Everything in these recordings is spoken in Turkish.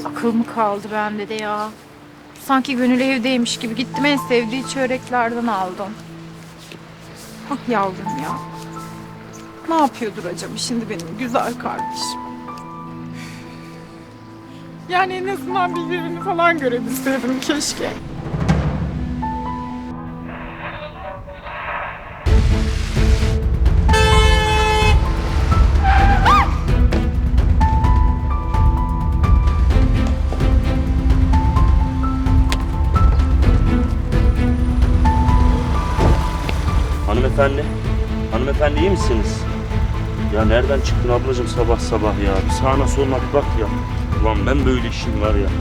Akıl mı kaldı bende de ya? Sanki Gönül evdeymiş gibi gittim, en sevdiği çöreklerden aldım. Ah yavrum ya. Ne yapıyordur acaba şimdi benim güzel kardeşim? Yani en azından bir yerini falan görebilseydim keşke. Hanımefendi, hanımefendi iyi misiniz? Ya nereden çıktın ablacığım sabah sabah ya? Bir sağına soluna bir bak ya. Ulan ben böyle işim var ya.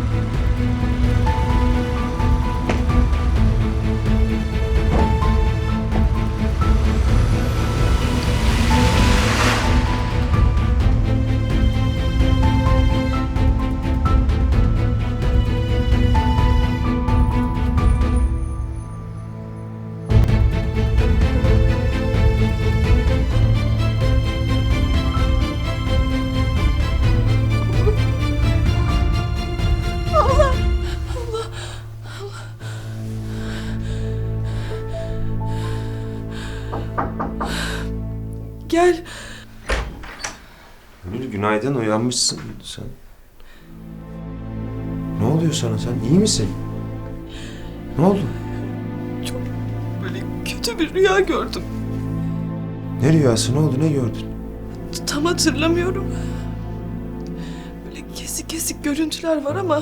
Gel. Gönül günaydın, uyanmışsın sen. Ne oluyor sana, sen iyi misin? Ne oldu? Çok böyle kötü bir rüya gördüm. Ne rüyası, ne oldu, ne gördün? Tam hatırlamıyorum. Böyle kesik kesik görüntüler var ama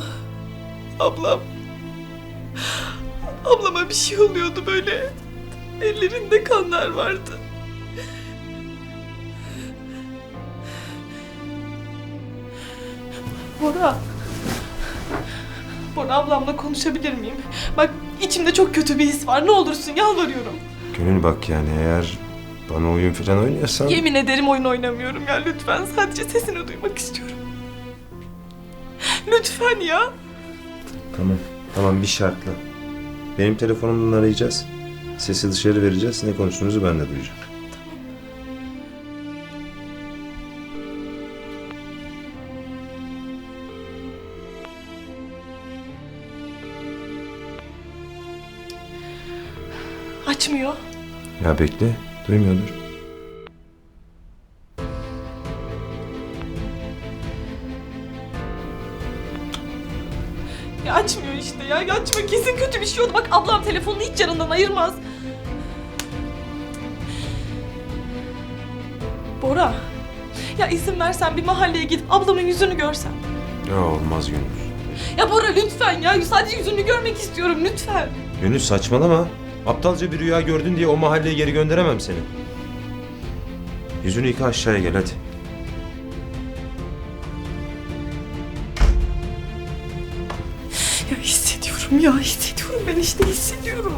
ablama bir şey oluyordu böyle. Ellerinde kanlar vardı. Bora ablamla konuşabilir miyim? Bak içimde çok kötü bir his var. Ne olursun yalvarıyorum. Gönül bak yani eğer bana oyun falan oynuyorsan... Yemin ederim oyun oynamıyorum ya lütfen. Sadece sesini duymak istiyorum. Lütfen ya. Tamam bir şartla. Benim telefonumdan arayacağız. Sesi dışarı vereceğiz. Ne konuştuğunuzu ben de duyacağım. Açmıyor. Ya bekle, duymuyordur. Ya açmıyor işte ya. Ya açmıyor. Kesin kötü bir şey oldu. Bak ablam telefonunu hiç yanından ayırmaz. Bora. Ya izin versen bir mahalleye gidip ablamın yüzünü görsem. Ya olmaz Gönül. Ya Bora lütfen ya. Sadece yüzünü görmek istiyorum lütfen. Gönül saçmalama. Aptalca bir rüya gördün diye o mahalleye geri gönderemem seni. Yüzünü yıka aşağıya gel hadi. Ya hissediyorum ya hissediyorum. Ben işte hissediyorum.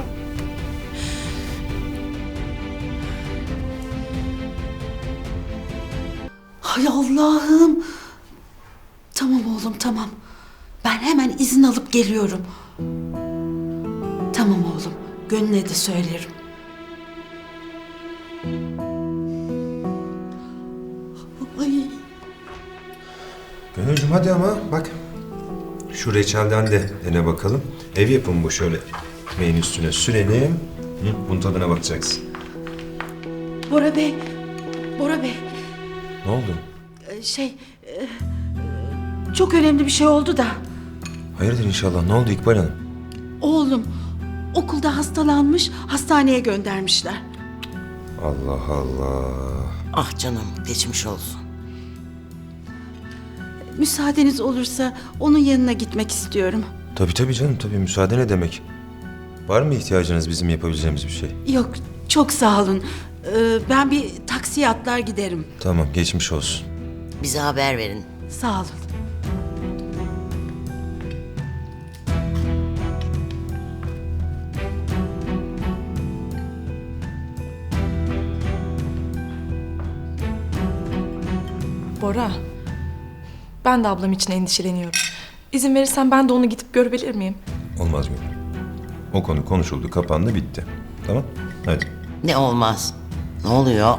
Hay Allah'ım. Tamam oğlum tamam. Ben hemen izin alıp geliyorum. Tamam oğlum. Gönül'e de söylerim. Ay. Gönülcüm hadi ama bak. Şu reçelden de dene bakalım. Ev yapımı bu şöyle. Ekmeğin üstüne sürelim. Bunun tadına bakacaksın. Bora Bey. Bora Bey. Ne oldu? Çok önemli bir şey oldu da. Hayırdır inşallah. Ne oldu İkbal Hanım? Oğlum okulda hastalanmış, hastaneye göndermişler. Allah Allah. Ah canım, geçmiş olsun. Müsaadeniz olursa onun yanına gitmek istiyorum. Tabii canım tabii. Müsaade ne demek? Var mı ihtiyacınız bizim yapabileceğimiz bir şey? Yok, çok sağ olun. Ben bir taksiye atlar giderim. Tamam geçmiş olsun. Bize haber verin. Sağ olun. Bora. Ben de ablam için endişeleniyorum. İzin verirsen ben de onu gidip görebilir miyim? Olmaz Gönül. O konu konuşuldu, kapandı, bitti. Tamam? Hadi. Ne olmaz. Ne oluyor?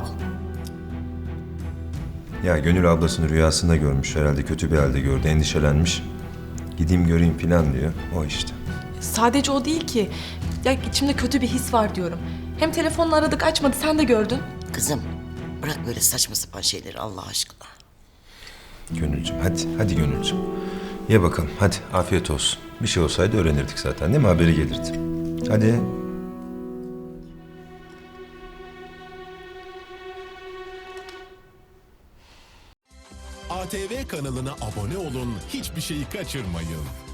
Ya Gönül ablasını rüyasında görmüş. Herhalde kötü bir halde gördü. Endişelenmiş. Gideyim göreyim falan diyor. O işte. Sadece o değil ki. Ya içimde kötü bir his var diyorum. Hem telefonla aradık açmadı, sen de gördün. Kızım bırak böyle saçma sapan şeyleri Allah aşkına. Gönülcüm hadi Gönülcüm. Ye bakalım hadi afiyet olsun. Bir şey olsaydı öğrenirdik zaten değil mi? Haberi gelirdi. Hadi. ATV kanalına abone olun, hiçbir şeyi kaçırmayın.